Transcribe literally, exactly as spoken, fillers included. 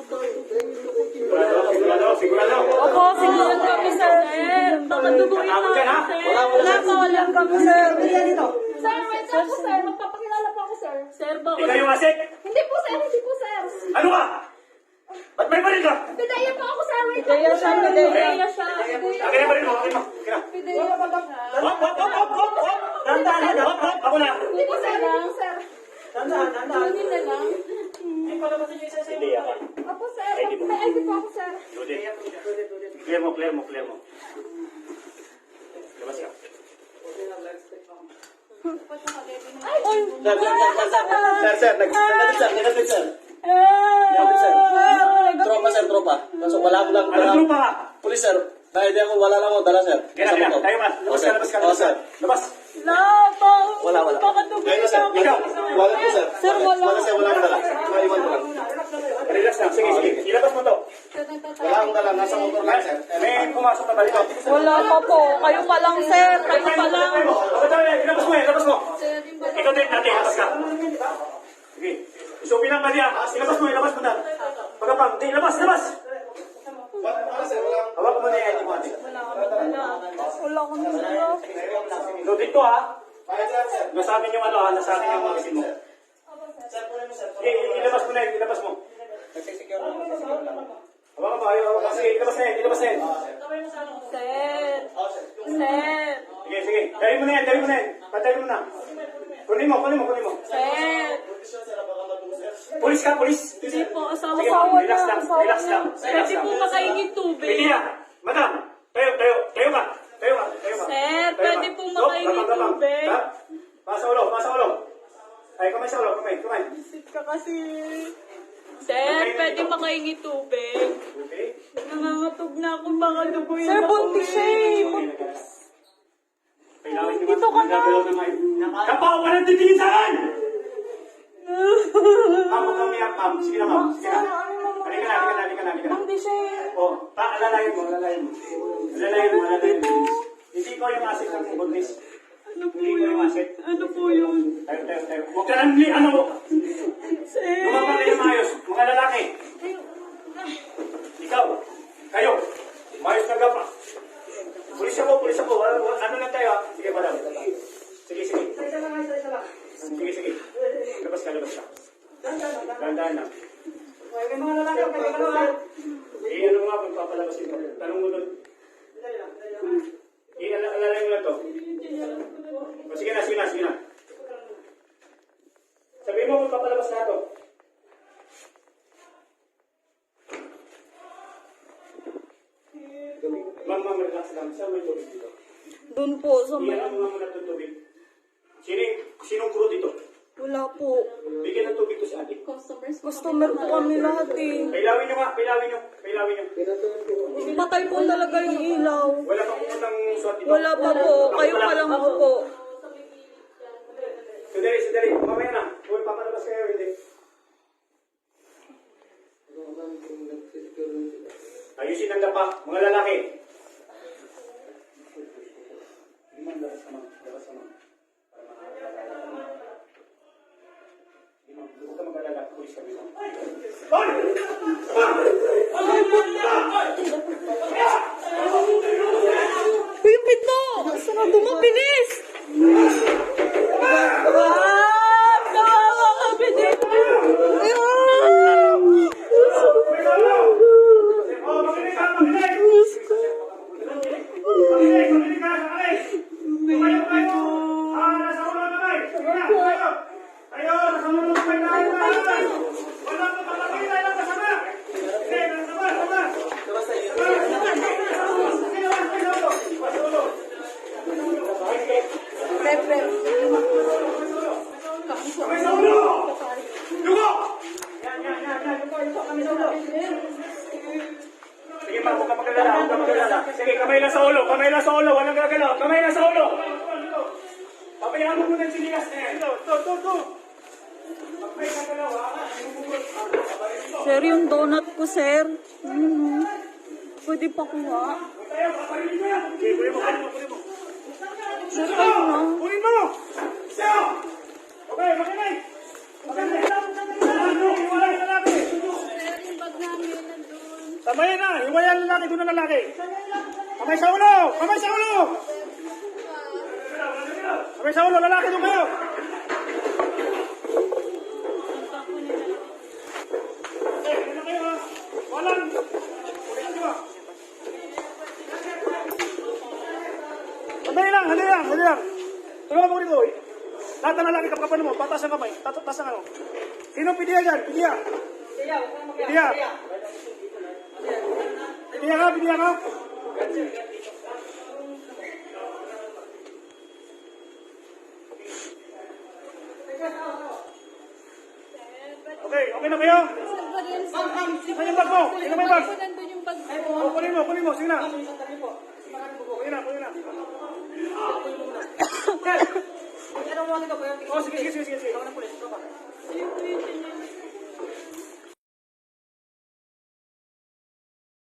Sigurado, sigurado. Opo, sigurado kami, sir. Baka duguin na Takot ka na? sir. Wala, wala. Wala pa, wala kami, sir. Sir, wait lang po, sir. Magpapakilala po ako, sir. Sir, baka... Ikaw yung asik? Hindi po, sir. Hindi po, sir. Ano ka? Ba't may baril ka? Pidaya po ako, sir. Wait lang Kaya po, siya, sir. kaya siya. Akin na baril mo, akin mo. Akin na. Pidaya po ako. Hop, hop, hop, hop, hop, hop. Dahan-dahan, dahan, hop, hop. Ako na. Hindi po, sir. Hindi po, sir. Dahan-dahan, dahan-dahan. Kunin na lang. Hindi ako. Opo, sir. May I D po ako, sir. Lude. Clear mo, clear mo, clear mo. Labas ka. Ay! Sir, sir, sir, sir, sir, sir, nag- nag- sir, nag- sir. Ah! sir. Tropa, sir, tropa. Kaso wala mo lang, Ano trupa ka? Pulis, sir. Dahil di ako, wala lang ako dala, sir. Kaya na, kaya na. Tayo ka. Labas ka, labas ka, Oo, labas ka. sir. Labas. Wala pa. Wala, wala. Baka duguin Ngayon, sir. na Ikaw. Wala po, sir. Sir, wala. Wala, sir, wala akong dala. Maiwan ko lang. Relax lang. Sige, sige. Ilabas mo to. Wala akong dala. Nasa motor lang, sir. May pumasok na ba dito? Wala pa po. Kayo pa lang, sir. Kayo pa lang. Ilabas mo yan, ilabas mo. Ikaw din natin, ilabas ka. Sige. Isupin ang baliya. Ilabas mo, ilabas mo na. Pagkapang, di, ilabas, ilabas. Wala, sir, wala. Hawak mo na yan, di mo ate. Wala akong dala. So dito ha, Kaya, sir, sir. nasa amin yung ano ha, nasa amin yung magasin mo. Sir, kunin mo, sir. Sige, ilabas mo na yan, ilabas mo. Nagsisecure lang, nagsisecure lang. Hawakan mo, ayaw, hawakan. Sige, ilabas na yan, ilabas na yan. Sir. Oo, sir. Sir. Sige, sige. Dali mo na yan, dali mo na yan. Patay mo na. Kunin mo, kunin mo, kunin mo. Sir. Kondisyon, sir, baka madung, sir. Pulis ka, pulis. Hindi po. Asawa Sige, ko. ma'am, relax lang, Asawa relax niya. lang. Relax Pwede lang. po makaingin tubig. Pwede yan. Madam, tayo, tayo, tayo ka. Tayo ka, tayo ka. Sir, Tayo pwede ka. pong Stop, makaingin gabang, gabang. tubig. Ha? Pasa ulo, pasa ulo. Ay, kamay sa ulo, kamay, kamay. Sit ka kasi. Sir, pwede makaingin tubig. Okay. Nangangatog na ako. Baka duguin Sir, ako buntis siya eh. Kailangan nyo Dito ka na. gagalaw na ngayon. Kapaw, walang titingin sa akin! Ma'am, huwag kang miyak, ma'am. Sige na, ma'am. Sige na. Halika na, halika na, halika na, halika na. Buntis siya eh. Oh, pa, alalayan mo, alalayan mo. Alalayan mo, alalayan mo. Hindi ko yung asset ng buntis. Ano po Hindi ko yung yun? asset. Ano po yun? Tayo, tayo, tayo. Huwag ka lang, li- ano, Sir. lumabang kayo maayos. Mga lalaki. Ikaw, kayo, maayos na gapa. Pulis ako, pulis ako. Ano, ano lang tayo, ha? Sige, madam. Sige, sige. Sige, sige. Labas ka, labas ka. Dahan-dahan lang. Eh, ano nga, magpapalabasin mo. Tanong mo doon. Eh, ala- alalay mo lang to. O, sige na, sige na, sige na. Sabihin mo, magpapalabas na to. Ma'am, ma'am, relax lang. Saan may tubig dito? Doon po. Sa may... Iyan mo nga muna itong tubig. Sino, sinong crew dito? Wala po. Bigyan ng tubig to si ate. Customer po kami lahat eh. Pailawin nyo nga, pailawin nyo. Pailawin nyo. Patay po talaga yung ilaw. Wala pa pupuntang swat dito. Wala pa po. Kayo pa lang ako po. Sandali, sandali. Mamaya na. Kung papalabas kayo, hindi. Ayusin ang dapa. Mga lalaki. Hindi man, labas ka man. Labas ka man. Hindi man, huwag ka mag-alala. Pulis kami lang. Hoy! Uy, yung pinto! Saan na dumabilis? Ah! Kawawa kami dito! Ayun! Oh, makinig ka! Makinig! Makinig! Makinig ka! Makinig! Tumayo kayo! Ah, nasa ulo naman! Sige na! Tayo! Tayo! Nasa ulo naman tayo! Wala pa papakita lang kasama! Hindi! Kasama! Kasama! Kamay sa ulo! Lugo! Yan, yan, yan, yan. Kamay sa ulo. Sige pa, huwag ka magalala, huwag ka magalala. Sige, kamay lang sa ulo, kamay lang sa ulo, walang gagalaw, kamay lang sa ulo. Pabayaan mo muna yung sinilas na yan. Ito, ito, ito, ito. Pag may gagalaw, ha? Sir, yung donut ko, sir. Ano? Pwede pa kuha. Tayo, paparilin mo yan. Sige, kunin mo, kunin mo, kunin mo. Sir, kayo na. Kunin mo! Siya! Okay, makinay! Makinay! Ano? Iwala yung lalaki! Sabayan na. Hiwayan ang lalaki. Doon ang lalaki. Kamay sa ulo. Kamay sa ulo. Kamay sa ulo. Lalaki doon kayo. Eh, ano kayo ha? Walang. Ulitin nyo ha. Sandali lang. Sandali lang. Sandali lang. Tulungan mo rito. eh. Lahat ng lalaki kapkapan mo. Patas ang kamay. Tatas ang ano. Sino pidiya dyan? Pidiya. Pidiya. Pidiya ka, pidiya ka. Okay, okay na kayo? Saan yung bag mo? Sino may bag? Nandun yung bag. Oh, kunin mo, kunin mo. Sige na. Kunin na, kunin na. Oh, sige, sige, sige, sige. Ayun, ayun, ayun.